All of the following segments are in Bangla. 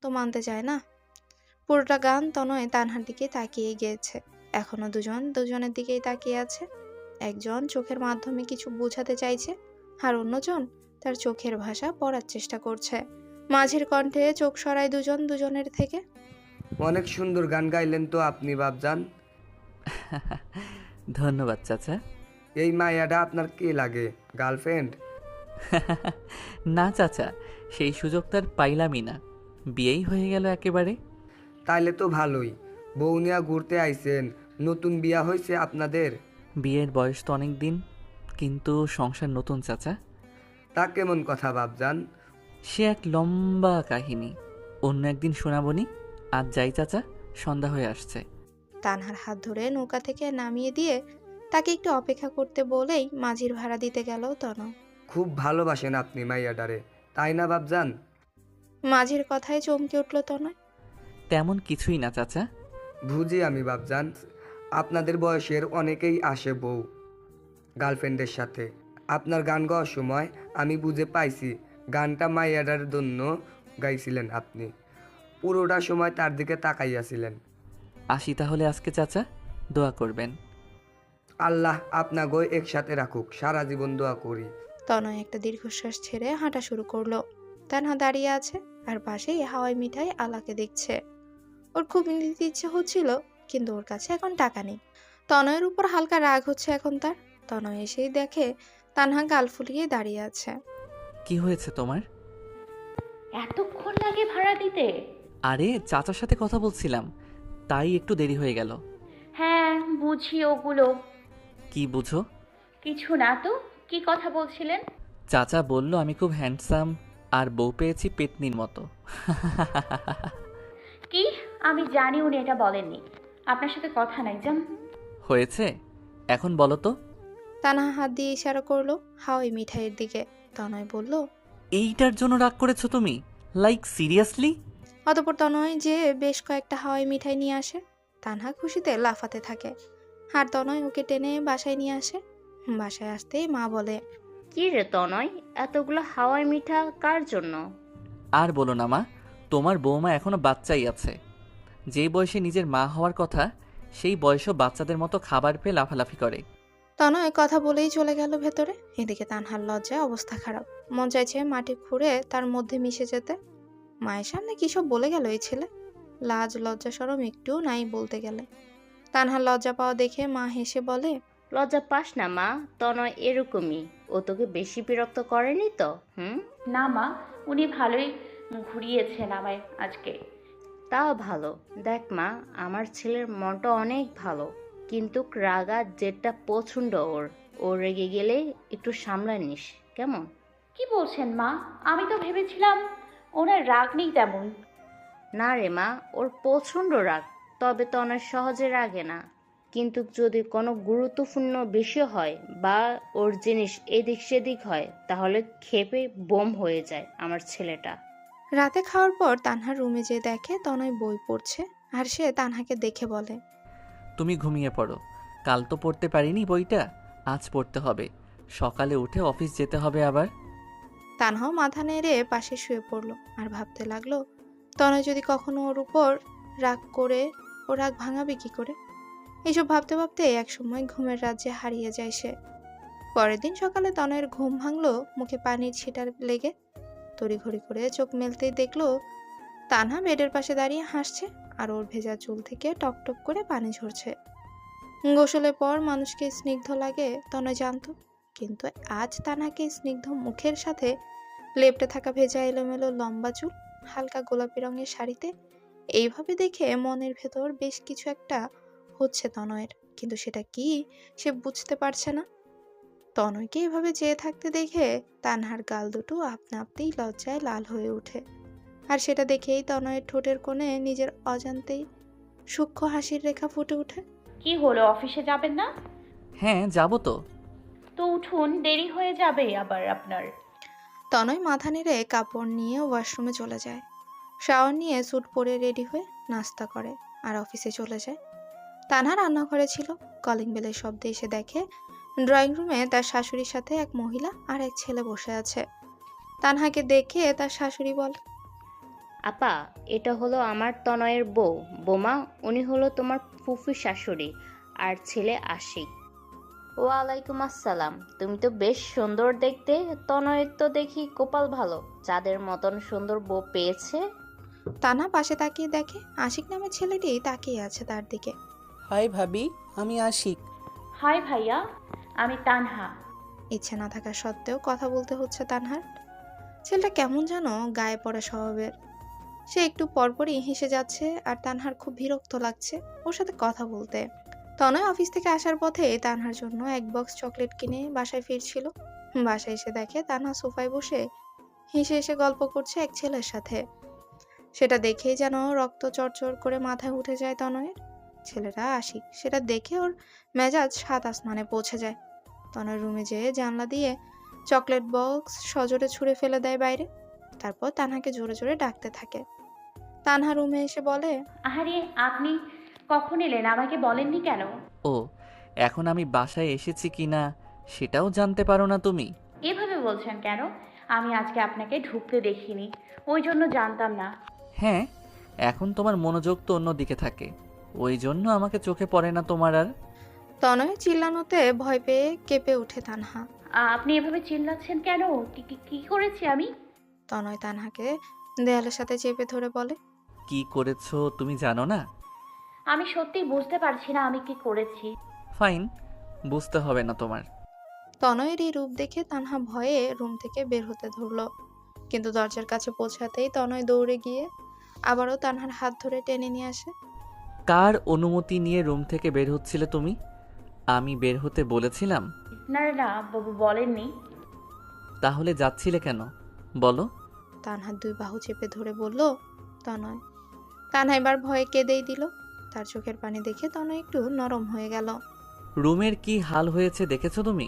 তো মানতে চায় না। পুরোটা গান তনয় তানহার দিকে তাকিয়ে গিয়েছে। এখনো দুজন দুজনের দিকেই তাকিয়ে আছে। একজন চোখের মাধ্যমে কিছু বোঝাতে চাইছে, আর অন্যজন তার চোখের ভাষা পড়ার চেষ্টা করছে। মাঝির কণ্ঠে চোখ সরায় দুজন দুজনের থেকে। অনেক সুন্দর গান গাইলেন তো আপনি বাপজান। ধন্যবাদ চাচা। এই মায়াটা আপনার কে লাগে, গার্লফ্রেন্ড? না চাচা, সেই সুযোগ তার পাইলামই না, বিয়েই হয়ে গেল একেবারে। তাইলে তো ভালোই, বউ নিয়া ঘুরতে আইছেন। নতুন বিয়া হয়েছে আপনাদের? বিয়ের বয়স তো অনেক দিন, কিন্তু সংসার নতুন চাচা। তা কেমন কথা বাপজান? সে এক লম্বা কাহিনী, অন্য একদিন শোনাবনি। আজ যাই চাচা, সন্ধ্যা হয়ে আসছে। তানহার হাত ধরে নৌকা থেকে নামিয়ে দিয়ে তাকে একটু অপেক্ষা করতে বলেই মাঝির ভাড়া দিতে গেল তনয়। খুব ভালোবাসেন আপনি মাইয়াডারে, তাই না বাপজান? মাঝির কথায় চমকে উঠল তনয়। তেমন কিছুই না চাচা। বুঝি আমি বাপজান, আপনাদের বয়সের অনেকেই আসে বউ গার্লফ্রেন্ডের সাথে। আপনার গান গাওয়ার সময় আমি বুঝে পাইছি গানটা মাইয়াডার জন্য গাইছিলেন আপনি। পুরোটা সময় তার দিকে তাকাইয়াছিলেন। আসি তাহলে আজকে চাচা, দোয়া করবেন। আল্লাহ আপনাগো একসাথে রাখুক, সারা জীবন দোয়া করি। তনয় একটা দীর্ঘশ্বাস ছেড়ে হাঁটা শুরু করলো। তানহা দাঁড়িয়ে আছে আর পাশেই হাওয়াই মিঠাই আলাকে দেখছে। ওর খুব নিতে ইচ্ছে হচ্ছিল, কিন্তু ওর কাছে এখন টাকা নেই। তনয়ের উপর হালকা রাগ হচ্ছে এখন তার। তনয় এসেই দেখে তানহা গাল ফুলিয়ে দাঁড়িয়ে আছে। কি হয়েছে তোমার? এতক্ষণ লাগে ভাড়া দিতে? আরে চাচার সাথে কথা বলছিলাম, তাই একটু দেরি হয়ে গেল। হ্যাঁ, বুঝি ওগুলো। কি বুঝো? কিছু না তো, কি কথা বলছিলেন? চাচা বলল আমি খুব হ্যান্ডসাম আর বউ পেয়েছি পেতনির মতো। কি? আমি জানি উনি এটা বলেননি। আপনার সাথে কথা নাই, যান। হয়েছে, এখন বলো তো। তানহা হাত দিয়ে ইশারা করলো হাওয়াই মিঠাইয়ের দিকে। তনয় বলল, এইটার জন্য রাগ করেছো তুমি? Like seriously? অতঃপর তনয় যে বেশ কয়েকটা হাওয়াই মিঠাই নিয়ে আসে। তানহা খুশিতে লাফাতে থাকে, আর তনয় ওকে টেনে বাসায় নিয়ে আসে। বাসায় আসতেই মা বলে, কি রে তনয়, এতগুলো হাওয়াই মিঠা কার জন্য? আর বলো না মা, তোমার বৌমা এখনো বাচ্চাই আছে। যেই বয়সে নিজের মা হওয়ার কথা, সেই বয়সও বাচ্চাদের মতো খাবার পেয়ে লাফালাফি করে। তনয় কথা বলেই চলে গেল ভেতরে। এদিকে তানহার লজ্জায় অবস্থা খারাপ। মন চাইছে মাটি খুঁড়ে তার মধ্যে মিশে যেতে। মায়ের সামনে কি সব বলে গেল এই ছেলে। লাজ লজ্জা শরম একটুও নাই বলতে গেলে। তানহার লজ্জা পাওয়া দেখে মা হেসে বলে, লজ্জা পাস না মা, তনয় এরকমই। ও তোকে বেশি বিরক্ত করেনি তো? হুম। না মা, উনি ভালোই ঘুরিয়েছেন আমায় আজকে। তাও ভালো। দেখ মা, আমার ছেলের মনটা অনেক ভালো, কিন্তু রাগা যেটা পছন্দ ওর। ও রেগে গেলে একটু সামলা নিস, কেমন? কি বলছেন মা? আমি তো ভেবেছিলাম ওনার রাগ নেই তেমন। না রে মা, ওর প্রচণ্ড রাগ, তবে তনয় সহজে রাগে না। কিন্তু যদি কোনো গুরুত্বপূর্ণ বিষয় হয় বা ওর জিনিস এদিক সেদিক হয়, তাহলে ক্ষেপে বোম হয়ে যায় আমার ছেলেটা। রাতে খাওয়ার পর তানহার রুমে যেয়ে দেখে তনয় বই পড়ছে। আর সে তানহাকে দেখে বলে, তুমি ঘুমিয়ে পড়ো, কাল তো পড়তে পারিনি বইটা, আজ পড়তে হবে। সকালে উঠে অফিস যেতে হবে আবার। তানহাও মাথা নেড়ে পাশে শুয়ে পড়লো আর ভাবতে লাগলো, তনয় যদি কখনো ওর উপর রাগ করে, ও রাগ ভাঙাবে কি করে। এইসব ভাবতে ভাবতে একসময় ঘুমের রাজ্যে হারিয়ে যায় সে। পরের দিন সকালে তনয়ের ঘুম ভাঙলো মুখে পানির ছিটার লেগে। তড়িঘড়ি করে চোখ মেলতেই দেখলো তানহা বেডের পাশে দাঁড়িয়ে হাসছে, আর ওর ভেজা চুল থেকে টপ টপ করে পানি ঝরছে। গোসলের পর মানুষকে স্নিগ্ধ লাগে তনয় জানতো, কিন্তু আজ তানহাকে স্নিগ্ধ মুখের সাথে লেপ্টে থাকা ভেজা এলোমেলো লম্বা চুল, হালকা গোলাপি রঙের শাড়িতে, এইভাবে দেখে মনের ভেতর বেশ কিছু একটা হচ্ছে তনয়ের, কিন্তু সেটা কি সে বুঝতে পারছে না। তনয়কে এভাবে চেয়ে থাকতে দেখে তানহার গাল দুটো আপনা আপনিই লজ্জায় লাল হয়ে ওঠে। আর সেটা দেখেই তনয়ের ঠোঁটের কোণে নিজের অজান্তেই সূক্ষ্ম হাসির রেখা ফুটে ওঠে। কি হলো, অফিসে যাবেন না? হ্যাঁ যাবো তো। তো উঠুন, দেরি হয়ে যাবে আবার আপনার। তনয় মাথা নেড়ে কাপড় নিয়ে ওয়াশরুমে চলে যায়। শাওয়ার নিয়ে স্যুট পরে রেডি হয়ে নাস্তা করে আর অফিসে চলে যায়। তানহা রান্নাঘরে ছিল। কলিং বেলের শব্দে এসে দেখে ড্রয়িং রুমে তার শাশুড়ির সাথে এক মহিলা আর এক ছেলে বসে আছে। তানহাকে দেখে তার শাশুড়ি বলে, আপা, এটা হলো আমার তনয়ের বউ। বোমা, উনি হলো তোমার ফুফি শাশুড়ি আর ছেলে আশিক। ওয়ালাইকুম আসসালাম। তুমি তো বেশ সুন্দর দেখতে। তনয়ের তো দেখি কপাল ভালো, চাঁদের মতন সুন্দর বউ পেয়েছে। তানহা পাশে তাকিয়ে দেখে আশিক নামের ছেলেটি তাকিয়ে আছে তার দিকে। হাই ভাবি, আমি আশিক। হাই ভাইয়া, আমি তানহা। ইচ্ছে না থাকা সত্ত্বেও কথা বলতে হচ্ছে তানহার। ছেলেটা কেমন যেন গায়ে পড়া স্বভাবের। সে একটু পরপরই হেসে যাচ্ছে আর তানহার খুব বিরক্ত লাগছে ওর সাথে কথা বলতে। তনয় অফিস থেকে আসার পথে তানহার জন্য এক বক্স চকলেট কিনে বাসায় ফিরছিল। বাসায় এসে দেখে তানহা সোফায় বসে হেসে হেসে গল্প করছে এক ছেলের সাথে। সেটা দেখেই যেন রক্ত চড়চড় করে মাথায় উঠে যায় তনয়ের। ছেলেটা আশিক, সেটা দেখে ওর মেজাজ সাত আসমানে পৌঁছে যায়। তনয় রুমে যেয়ে জানলা দিয়ে চকলেট বক্স সজোরে ছুঁড়ে ফেলে দেয় বাইরে। তারপর তানহাকে জোরে জোরে ডাকতে থাকে। তানহা রুমে এসে বলে, আহারে, আপনি কখন এলেন? আমাকে বলেননি কেন? ও, এখন আমি বাসায় এসেছি কি না সেটাও জানতে পারো না তুমি? এভাবে বলছেন কেন? আমি আজকে আপনাকে ঢুকতে দেখিনি, ওই জন্য জানতাম না। হ্যাঁ, এখন তোমার মনোযোগ তো অন্যদিকে থাকে, ওই জন্য আমাকে চোখে পড়ে না তোমার আর। তনয় চিল্লানোতে ভয় পেয়ে কেঁপে ওঠে তানহা। আপনি এভাবে চিল্লাচ্ছেন কেন? কি কি কি করেছি আমি? তনয় তানহাকে দেয়ালের সাথে চেপে ধরে বলে, কি করেছো তুমি জানো না? আমি সত্যি বুঝতে পারছি না আমি কি করেছি। ফাইন, বুঝতে হবে না তোমার। তনয়ের এই রূপ দেখে তানহা ভয়ে রুম থেকে বের হতে ধরলো। কিন্তু দরজার কাছে পৌঁছাতেই তনয় দৌড়ে গিয়ে আবারও তানহার হাত ধরে টেনে নিয়ে আসে। কার অনুমতি নিয়ে রুম থেকে বের হচ্ছিলে তুমি? আমি বের হতে বলেছিলাম? না না, বাবু বলেননি। তাহলে যাচ্ছিলে কেন বলো? তানহার দুই বাহু চেপে ধরে বলল তনয়। তানহা এবার ভয়ে কেঁদেই দিল। তার চোখের পানি দেখে তনয় একটু নরম হয়ে গেল। রুমের কি হাল হয়েছে দেখেছো তুমি?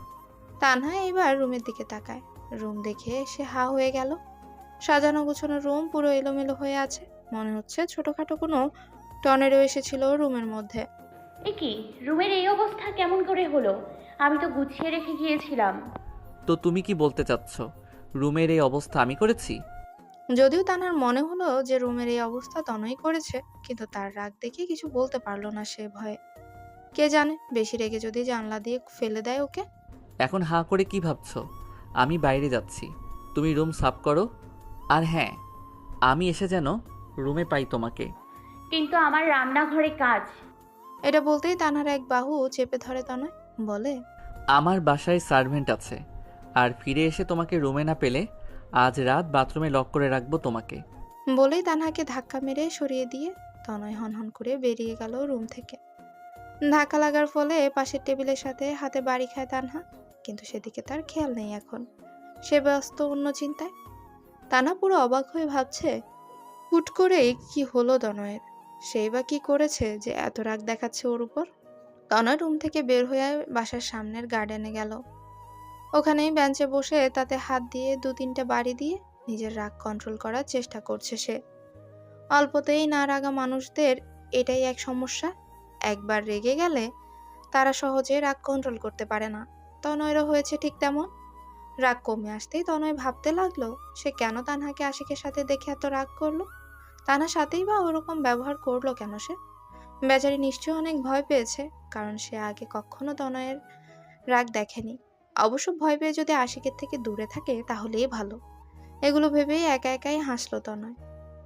তানহা এবার রুমের দিকে তাকায়। রুম দেখে সে হা হয়ে গেল। সাজানো গোছানো রুম পুরো এলোমেলো হয়ে আছে। মনে হচ্ছে ছোটখাটো কোনো টর্নেডো এসেছিল রুমের মধ্যে। এ কি, রুমের এই অবস্থা কেমন করে হলো? আমি তো গুছিয়ে রেখে গিয়েছিলাম। তো তুমি কি বলতে চাচ্ছ রুমের এই অবস্থা আমি করেছি? যদিও তানহার মনে হলো যে রুমের এই অবস্থা তনয় করেছে, কিন্তু তার রাগ দেখে কিছু বলতে পারলো না সে ভয়ে। কে জানে, বেশি রেগে যদি জানলা দিয়ে ফেলে দেয় ওকে। এখন হাঁ করে কি ভাবছো? আমি বাইরে যাচ্ছি, তুমি রুম সাফ করো। আর হ্যাঁ, আমি এসে যেন রুমে পাই তোমাকে। কিন্তু আমার রান্নাঘরে কাজ। এটা বলতেই তানহার এক বাহু চেপে ধরে তনয়, বলে, আমার বাসায় সার্ভেন্ট আছে, আর ফিরে এসে তোমাকে রুমে না পেলে আজ রাত বাথরুমে লক করে রাখবো তোমাকে। বলেই তানহাকে ধাক্কা মেরে সরিয়ে দিয়ে তনয় হনহন করে বেরিয়ে গেল রুম থেকে। ধাক্কা লাগার ফলে পাশের টেবিলের সাথে হাতে বাড়ি খায় তানহা, কিন্তু সেদিকে তার খেয়াল নেই এখন। সে ব্যস্ত অন্য চিন্তায়। তানহা পুরো অবাক হয়ে ভাবছে হুট করেই কি হলো তনয়ের। সেই বা কি করেছে যে এত রাগ দেখাচ্ছে ওর উপর। তনয় রুম থেকে বের হয়ে বাসার সামনের গার্ডেনে গেল। ওখানেই বেঞ্চে বসে তাতে হাত দিয়ে দু তিনটে বাড়ি দিয়ে নিজের রাগ কন্ট্রোল করার চেষ্টা করছে সে। অল্পতেই না রাগা মানুষদের এটাই এক সমস্যা। একবার রেগে গেলে তারা সহজে রাগ কন্ট্রোল করতে পারে না। তনয়েরও হয়েছে ঠিক তেমন। রাগ কমে আসতেই তনয় ভাবতে লাগলো সে কেন তানহাকে আশিকের সাথে দেখে এত রাগ করলো। তানহার সাথেই বা ওরকম ব্যবহার করলো কেন সে? বেচারি নিশ্চয়ই অনেক ভয় পেয়েছে, কারণ সে আগে কখনো তনয়ের রাগ দেখেনি। অবশ্য ভয় পেয়ে যদি আশিকের থেকে দূরে থাকে তাহলেই ভালো। এগুলো ভেবেই একা একাই হাসলো তনয়।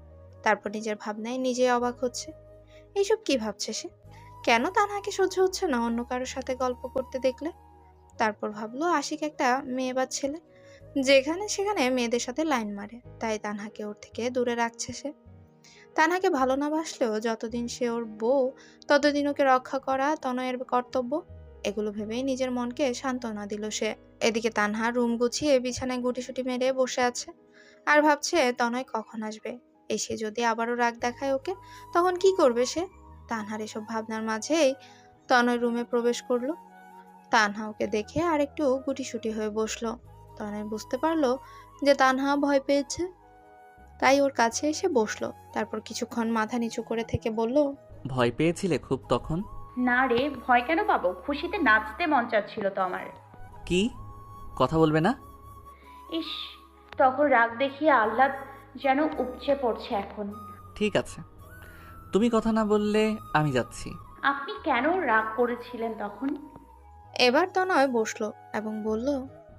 তারপর নিজের ভাবনায় নিজেই অবাক হচ্ছে। এইসব কি ভাবছে সে? কেন তানহাকে সহ্য হচ্ছে না অন্য কারোর সাথে গল্প করতে দেখলে? তারপর ভাবলো আশিক একটা মেয়ে বা ছেলে, যেখানে সেখানে মেয়েদের সাথে লাইন মারে, তাই তানহাকে ওর থেকে দূরে রাখছে সে। তানহাকে ভালো না বাসলেও যতদিন সে ওর বউ ততদিন ওকে রক্ষা করা তনয়ের কর্তব্য। এগুলো ভেবেই নিজের মনকে সান্ত্বনা দিল সে। এদিকে তানহা রুম গুছিয়ে বিছানায় গুটিসুটি মেরে বসে আছে আর ভাবছে তনয় কখন আসবে। এসে যদি আবারও রাগ দেখায় ওকে, তখন কি করবে সে? তানহার এসব ভাবনার মাঝেই তনয় রুমে প্রবেশ করলো। তানহা ওকে দেখে আর একটু গুটিসুটি হয়ে বসলো। তনয় বুঝতে পারলো যে তানহা ভয় পেয়েছে, তাই ওর কাছে এসে বসলো। তারপর কিছুক্ষণ মাথা নিচু করে থেকে বলল, ভয় পেয়েছিলে খুব তখন? না রে, ভয় কেন পাবো? খুশিতে নাচতে মন চাচ্ছিল তো আমার। কি কথা বলবে না? ইস, তখন রাগ দেখিয়ে আহ্লাদ যেন উপচে পড়ছে এখন। ঠিক আছে, তুমি কথা না বললে আমি যাচ্ছি। আপনি কেন রাগ করেছিলেন তখন? এবার তনয় বসলো এবং বলল,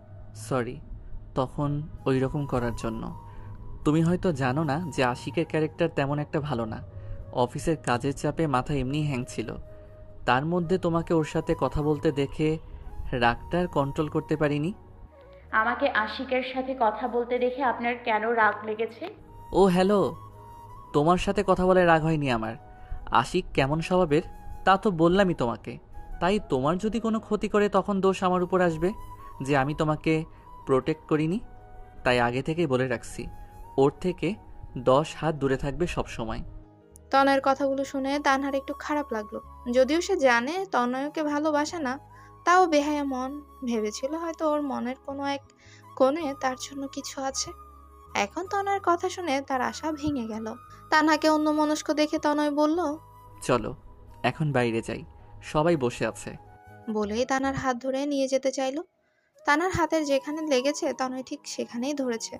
সরি তখন ওই রকম করার জন্য। তুমি হয়তো জানো না যে আশিকের ক্যারেক্টার তেমন একটা ভালো না। অফিসের কাজের চাপে মাথা এমনি হ্যাং ছিল, তার মধ্যে তোমাকে ওর সাথে কথা বলতে দেখে রাগটা আর কন্ট্রোল করতে পারিনি। আমাকে আশিকের সাথে কথা বলতে দেখে আপনার কেন রাগ লেগেছে? ও হ্যালো, তোমার সাথে কথা বলে রাগ হয়নি আমার। আশিক কেমন স্বভাবের তা তো বললামই তোমাকে। তাই তোমার যদি কোনো ক্ষতি করে তখন দোষ আমার উপর আসবে যে আমি তোমাকে প্রোটেক্ট করিনি। তাই আগে থেকেই বলে রাখছি, ওর থেকে 10 হাত দূরে থাকবে সব সময়। তনয়ের কথাগুলো শুনে তানহার একটু খারাপ লাগলো। যদিও সে জানে তনয়কে ভালোবাসে না, তাও বেহায়া মন ভেবেছিল হয়তো ওর মনের কোনো এক কোণে তার জন্য কিছু আছে। এখন তনয়ের কথা শুনে তার আশা ভেঙে গেল। তানহাকে অন্যমনস্ক দেখে তনয় বলল, চলো এখন বাইরে যাই, সবাই বসে আছে। বলেই তানার হাত ধরে নিয়ে যেতে চাইলো। তানার হাতের যেখানে লেগেছে তনয় ঠিক সেখানেই ধরেছে,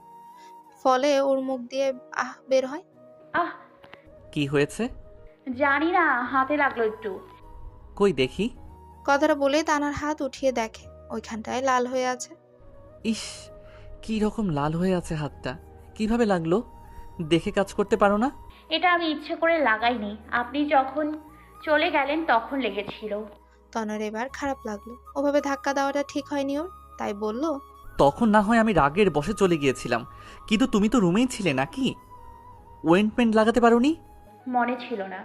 ফলে ওর মুখ দিয়ে আহ বের হয়। আহ, কি হয়েছে? জানি না, হাতে লাগলো একটু। কই দেখি। কথাটা বলেই তানার হাত উঠিয়ে দেখে ওইখানটায় লাল হয়ে আছে। ইস, কি রকম লাল হয়ে আছে হাতটা, কিভাবে লাগলো? দেখে কাজ করতে পারো না? এটা আমি ইচ্ছে করে লাগাইনি, আপনি যখন চলে গেলেন তখন লেগেছিল। তনয়ের এবার খারাপ লাগলো, ওভাবে ধাক্কা দেওয়াটা ঠিক হয়নি ওর, তাই বলল, তখন না হয় আমি রাগের বশে চলে গিয়েছিলাম, কিন্তু তুমি তো রুমেই ছিলে নাকি? ওয়েন্টমেন্ট লাগাতে পারোনি? মনে ছিল না।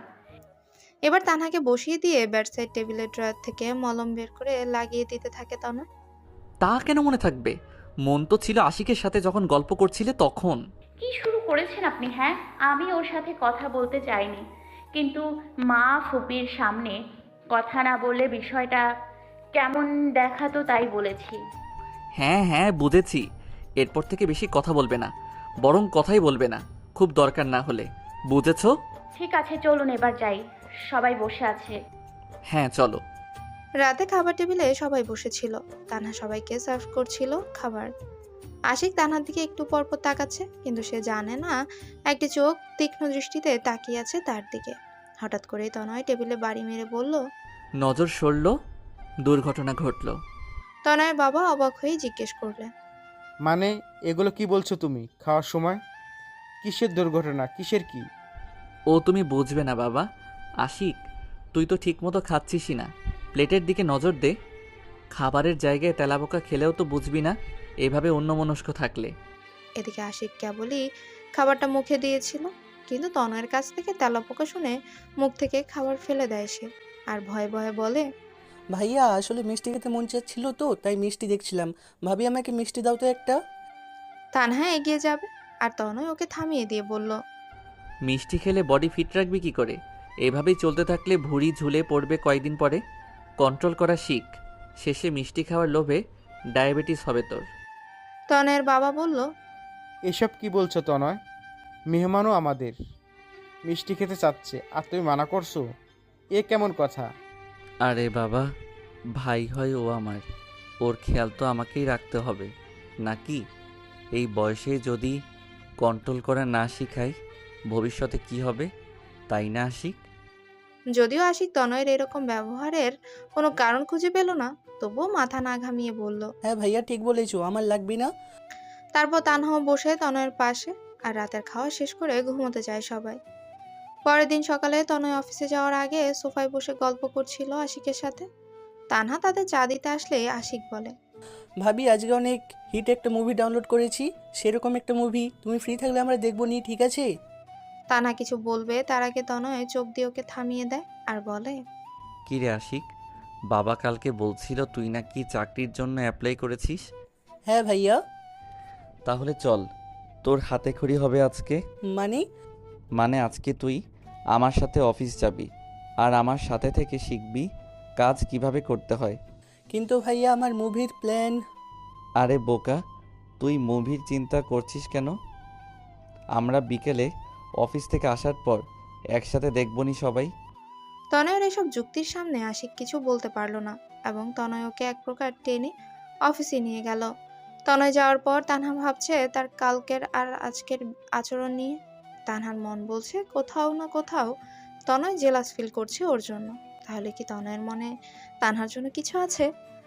এবার তানহাকে বসিয়ে দিয়ে বেডসাইড টেবিলের ড্রয়ার থেকে মলম বের করে লাগিয়ে দিতে থাকে তনয়। তা কেন মনে থাকবে? মন তো ছিল আশিকের সাথে যখন গল্প করছিলে তখন। কি শুরু করেছেন আপনি? হ্যাঁ, আমি ওর সাথে কথা বলতে চাইনি, কিন্তু মা ফুপির সামনে কথা না বললে বিষয়টা কেমন দেখাতো তাই বলেছি। হ্যাঁ হ্যাঁ বুঝেছি, এরপর থেকে বেশি কথা বলবে না, বরং কথাই বলবে না খুব দরকার না হলে, বুঝেছো? ঠিক আছে, চলুন এবার যাই, সবাই বসে আছে। হ্যাঁ চলো। রাতে খাবার টেবিলে সবাই বসেছিল, তানহা সবাইকে সার্ভ করছিল খাবার। আশিক তানহার দিকে একটু পরপর তাকাচ্ছে, কিন্তু সে জানে না একটি চোখ তীক্ষ্ণ দৃষ্টিতে তাকিয়ে আছে তার দিকে। হঠাৎ করেই তনয় টেবিলে বাড়ি মেরে বলল, নজর সরল, দুর্ঘটনা ঘটল। তনয়ের বাবা অবাক হয়ে জিজ্ঞেস করলেন, মানে এগুলো কি বলছো তুমি খাওয়ার সময়? কিসের দুর্ঘটনা, কিসের কি? ও তুমি বুঝবে না বাবা। আশিক, তুই তো ঠিকমতো খাচ্ছিসই না, প্লেটের দিকে নজর দে। খাবারের জায়গায় তেলাপোকা খেলেও তো বুঝবি না এভাবে অন্যমনস্ক থাকলে। এদিকে আশিক কেবলই খাবারটা মুখে দিয়েছিল, কিন্তু তনয়ের কাছ থেকে তেলাপোকা শুনে মুখ থেকে খাবার ফেলে দেয় সে, আর ভয়ে ভয়ে বলে, ভাইয়া আসলে মিষ্টি খেতে মন চাচ্ছিল তো তাই মিষ্টি দেখছিলাম। ভাবি আমাকে মিষ্টি দাও তো একটা। তানহা এগিয়ে যাবে, আর তনয় ওকে থামিয়ে দিয়ে বলল, মিষ্টি খেলে বডি ফিট রাখবি কি করে? এভাবেই চলতে থাকলে ভুঁড়ি ঝুলে পড়বে কয়েকদিন পরে। কন্ট্রোল করা শিখ, শেষে মিষ্টি খাওয়ার লোভে ডায়াবেটিস হবে তোর। তনয়ের বাবা বলল, এসব কি বলছো তনয়? মেহমানও আমাদের মিষ্টি খেতে চাচ্ছে আর তুমি মানা করছো? এ কেমন কথা? আরে বাবা, ভাই হয় ও আমার, ওর খেয়াল তো আমাকেই রাখতে হবে নাকি? এই বয়সে যদি কন্ট্রোল করা না শিখাই ভবিষ্যতে কি হবে, তাই না আশিক? যদিও আশিক তনয়ের এরকম ব্যবহারের কোনো কারণ খুঁজে পেল না, তবুও মাথা না ঘামিয়ে বলল। হ্যাঁ ভাইয়া ঠিক বলেছো, আমার লাগবে না। তারপর তানহাও বসে তনয়ের পাশে, আর রাতের খাওয়া শেষ করে ঘুমোতে যায় সবাই। পরের দিন সকালে তনয় অফিসে যাওয়ার আগে সোফায় বসে গল্প করছিল আশিকের সাথে। তানহা তাদের চা দিতে আসলে আশিক বলে, ভাবি আজকে অনেক হিট একটা মুভি ডাউনলোড করেছি, সেরকম একটা মুভি তুমি ফ্রি থাকলে আমরা দেখবো নি, ঠিক আছে? তানহা কিছু বলবে তার আগে তনয় চোখ দিয়ে ওকে থামিয়ে দেয় আর বলে, কি রে আশিক, বাবা কালকে বলছিল তুই নাকি চাকরির জন্য অ্যাপ্লাই করেছিস। হ্যাঁ ভাইয়া। তাহলে চল, তোর হাতে খড়ি হবে আজকে। মানে? মানে আজকে তুই আমার সাথে অফিস যাবি আর আমার সাথে থেকে শিখবি কাজ কিভাবে করতে হয়। কিন্তু ভাইয়া আমার মুভির প্ল্যান। আরে বোকা, তুই মুভির চিন্তা করছিস কেন? আমরা বিকেলে অফিস থেকে আসার পর একসাথে দেখবনি সবাই। তনয়ের এসব যুক্তির সামনে আশিক কিছু বলতে পারল না, এবং তনয় ওকে এক প্রকার টেনে অফিসে নিয়ে গেল। তনয় যাওয়ার পর তানহা ভাবছে তার কালকের আর আজকের আচরণ নিয়ে। তানহার মন বলছে কোথাও না কোথাও তনয় জেলাস ফিল করছে ওর জন্য। তাহলে কি তনয়ের মনে তানহার জন্য কিছু আছে?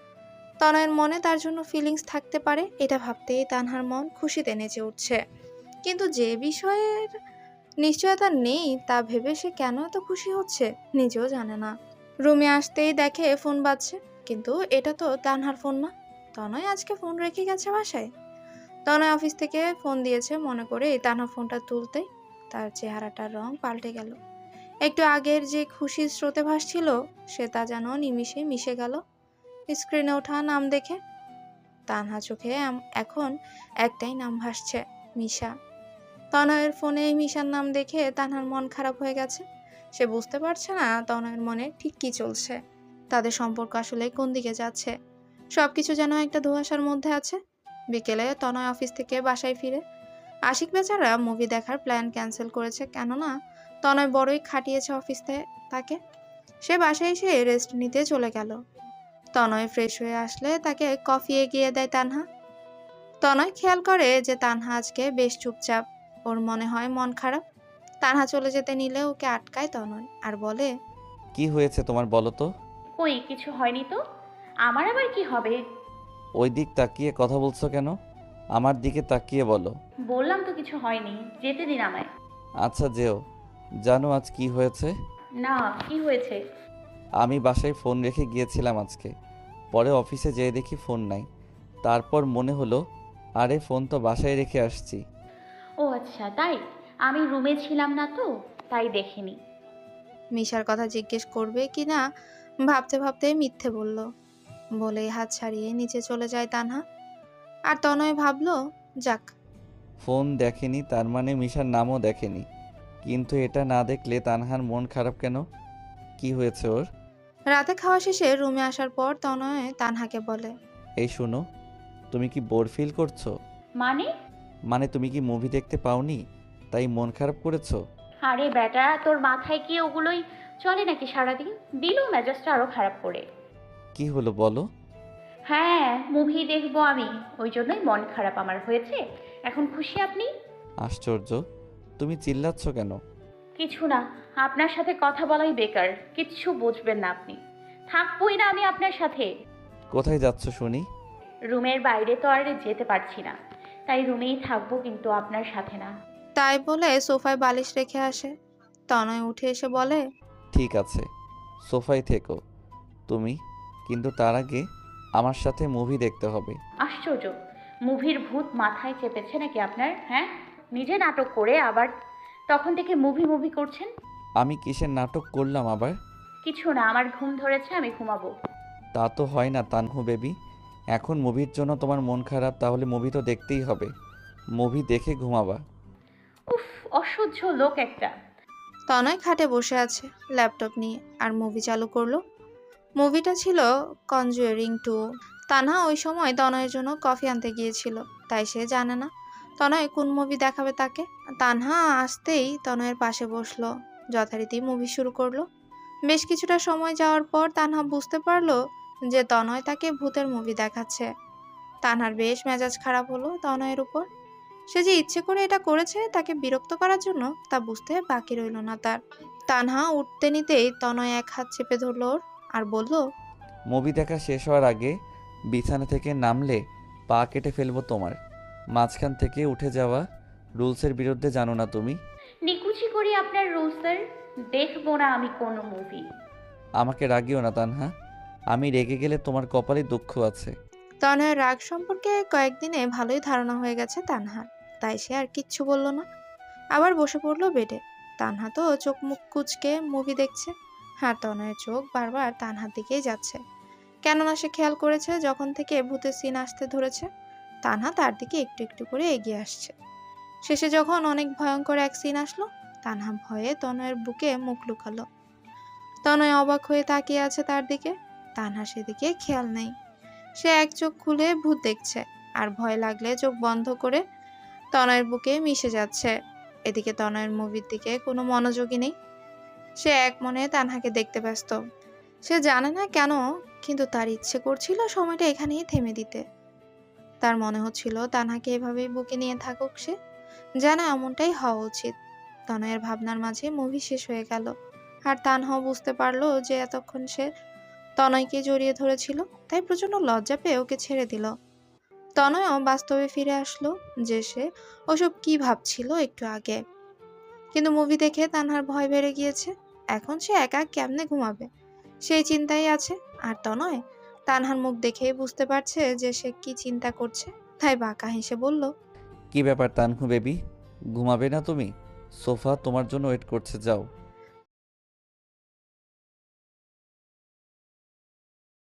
তনয়ের মনে তার জন্য ফিলিংস থাকতে পারে, এটা ভাবতেই তানহার মন খুশিতে নেচে উঠছে। কিন্তু যে বিষয়ের নিশ্চয়তা নেই তা ভেবে সে কেন এত খুশি হচ্ছে নিজেও জানে না। রুমে আসতেই দেখে ফোন বাজছে, কিন্তু এটা তো তানহার ফোন না। তনয় আজকে ফোন রেখে গেছে বাসায়। তনয় অফিস থেকে ফোন দিয়েছে মনে করে তানহা ফোনটা তুলতেই তার চেহারাটার রং পাল্টে গেল। একটু আগের যে খুশির স্রোতে ভাসছিল সে তা যেন নিমিষে মিশে গেল স্ক্রিনে ওঠা নাম দেখে। তানহা চোখে এখন একটাই নাম ভাসছে, মিশা। তনয়ের ফোনে মিশার নাম দেখে তানহার মন খারাপ হয়ে গেছে। সে বুঝতে পারছে না তনয়ের মনে ঠিক কি চলছে, তাদের সম্পর্ক আসলে কোন দিকে যাচ্ছে। সবকিছু যেন একটা ধোঁয়াশার মধ্যে আছে। বিকেলে তনয় অফিস থেকে বাসায় ফিরে। আশিক বেচারা মুভি দেখার প্ল্যান ক্যান্সেল করেছে, কেননা তনয় বড়ই খাটিয়েছে অফিসে তাকে। সে বাসায় এসে রেস্ট নিতে চলে গেল। তনয় ফ্রেশ হয়ে আসলে তাকে কফি এগিয়ে দেয় তানহা। তনয় খেয়াল করে যে তানহা আজকে বেশ চুপচাপ, ওর মনে হয় মন খারাপ। তানহা চলে যেতে নিলে ওকে আটকায় তনয় আর বলে, কি হয়েছে তোমার বলো তো? কই কিছু হয়নি তো। আমার আবার কি হবে? ওই দিক তাকিয়ে কথা বলছো কেন? আমার দিকে তাকিয়ে বলো। বললাম তো কিছু হয়নি, যেতে দিন আমায়। আচ্ছা যেও। জানো আজ কি হয়েছে? না, কি হয়েছে? আমি বাসায় ফোন রেখে গিয়েছিলাম আজকে। পরে অফিসে যেয়ে দেখি ফোন নাই। তারপর মনে হলো আরে ফোন তো বাসায় রেখে আসছি। ও আচ্ছা তাই। আমি রুমে ছিলাম না তো, তাই দেখিনি। মিশার কথা জিজ্ঞেস করবে কিনা ভাবতে ভাবতে মিথ্যে বলল বলে হাত ছাড়িয়ে নিচে চলে যায় তানহা। আর তনয় ভাবলো, যাক। ফোন দেখেনি তার মানে মিশার নামও দেখেনি। কিন্তু এটা না দেখলে তানহার মন খারাপ কেন? কি হয়েছে ওর? রাতে খাওয়া শেষে রুমে আসার পর তনয় তানহাকে বলে, এই শোনো, তুমি কি বোর ফিল করছো? মানে? মানে তুমি কি মুভি দেখতে পাওনি তাই মন খারাপ করেছো? আরে বেটা, তোর মাথায় কি ওগুলোই চলে নাকি সারাদিন? দিল মেজাজটা আরো খারাপ করে। কি হলো বলো? হ্যাঁ, মুভি দেখবো আমি, ওই জন্যই মন খারাপ আমার হয়েছে। এখন খুশি আপনি? আশ্চর্য, তুমি চিল্লাচ্ছ কেন? কিছু না, আপনার সাথে কথা বলাই বেকার, কিচ্ছু বুঝবেন না আপনি। থাকবোই না আমি আপনার সাথে। কোথায় যাচ্ছ শুনি? রুমের বাইরে তো আর যেতে পারছি না, তাই রুমেই থাকবো, কিন্তু আপনার সাথে না। তাই বলে সোফায় বালিশ রেখে আসে। তনয় উঠে এসে বলে, ঠিক আছে, সোফায় থেকো তুমি, কিন্তু তার আগে আমার সাথে মুভি দেখতে হবে। আশ্চর্য, মুভির ভূত মাথায় চেপেছে নাকি আপনার? হ্যাঁ, নিজে নাটক করে আবার তখন থেকে মুভি মুভি করছেন। আমি কিসের নাটক করলাম আবার? কিছু না, আমার ঘুম ধরেছে, আমি ঘুমাবো। তা তো হয় না তানহু বেবি। এখন মুভির জন্য তোমার মন খারাপ, তাহলে মুভি তো দেখতেই হবে। মুভি দেখে ঘুমাবা। উফ, অসহ্য লোক একটা। তনয় খাটে বসে আছে ল্যাপটপ নিয়ে আর মুভি চালু করলো। মুভিটা ছিল কনজুয়ারিং 2। তানহা ওই সময় তনয়ের জন্য কফি আনতে গিয়েছিল, তাই সে জানে না তনয় কোন মুভি দেখাবে তাকে। তানহা আসতেই তনয়ের পাশে বসলো, যথারীতি মুভি শুরু করলো। বেশ কিছুটা সময় যাওয়ার পর তানহা বুঝতে পারলো যে তনয় তাকে ভূতের মুভি দেখাচ্ছে। তানহার বেশ মেজাজ খারাপ হলো তনয়ের উপর। সে যে ইচ্ছে করে এটা করেছে তাকে বিরক্ত করার জন্য, তা বুঝতে বাকি রইল না তার। তানহা উঠতে নিতেই তনয় এক হাত চেপে ধরল ওর আর বলল, মুভি দেখা শেষ হওয়ার আগে বিছানা থেকে নামলে পা কেটে ফেলবো তোমার। মাঝখান থেকে উঠে যাওয়া রুলসের বিরুদ্ধে, জানো না তুমি? নিকুচি করি আপনার রুলসের, দেখবো না আমি কোনো মুভি। আমাকে রাগিও না তানহা, আমি রেগে গেলে তোমার কপালে দুঃখ আছে। তনয়ের রাগ সম্পর্কে কয়েকদিনে ভালোই ধারণা হয়ে গেছে তানহার, তাই সে আর কিচ্ছু বলল না। আবার বসে পড়লো বেডে। তানহা তো চোখ মুখ কুচকে মুভি দেখছে, আর তনয়ের চোখ বারবার তানহার দিকেই যাচ্ছে। কেননা সে খেয়াল করেছে যখন থেকে ভূতের সিন আসতে ধরেছে তানহা তার দিকে একটু একটু করে এগিয়ে আসছে। শেষে যখন অনেক ভয়ঙ্কর এক সিন আসলো, তানহা ভয়ে তনয়ের বুকে মুখ লুকালো। তনয় অবাক হয়ে তাকিয়ে আছে তার দিকে, তানহা সেদিকে খেয়াল নেই। সে এক চোখ খুলে ভূত দেখছে আর ভয় লাগলে চোখ বন্ধ করে তনয়ের বুকে মিশে যাচ্ছে। এদিকে তনয়ের মুভির দিকে কোনো মনোযোগই নেই। সে এক মনে তানহাকে দেখতে ব্যস্ত। সে জানে না কেন, কিন্তু তার ইচ্ছে করছিল সময়টা এখানেই থেমে দিতে। তার মনে হচ্ছিল তানহাকে এভাবেই বুকে নিয়ে থাকুক সে, জানা এমনটাই হওয়া উচিত। তনয়ের ভাবনার মাঝে মুভি শেষ হয়ে গেল, আর তানহাও বুঝতে পারলো যে এতক্ষণ সে তনয়কে জড়িয়ে ধরেছিল, তাই প্রচন্ড লজ্জা পেয়ে ওকে ছেড়ে দিল। তনয়ও বাস্তবে ফিরে আসলো যে সে ওসব কি ভাবছিল একটু আগে। কিন্তু মুভি দেখে তানহার ভয় বেড়ে গিয়েছে। এখন সে একা কেমনে ঘুমাবে সেই চিন্তাই আছে। আর তনয় তানহার মুখ দেখেই বুঝতে পারছে যে সে কি চিন্তা করছে, তাই বাঁকা হেসে বলল, কি ব্যাপার তানহু বেবি, ঘুমাবে না তুমি? সোফা তোমার জন্য ওয়েট করছে, যাও।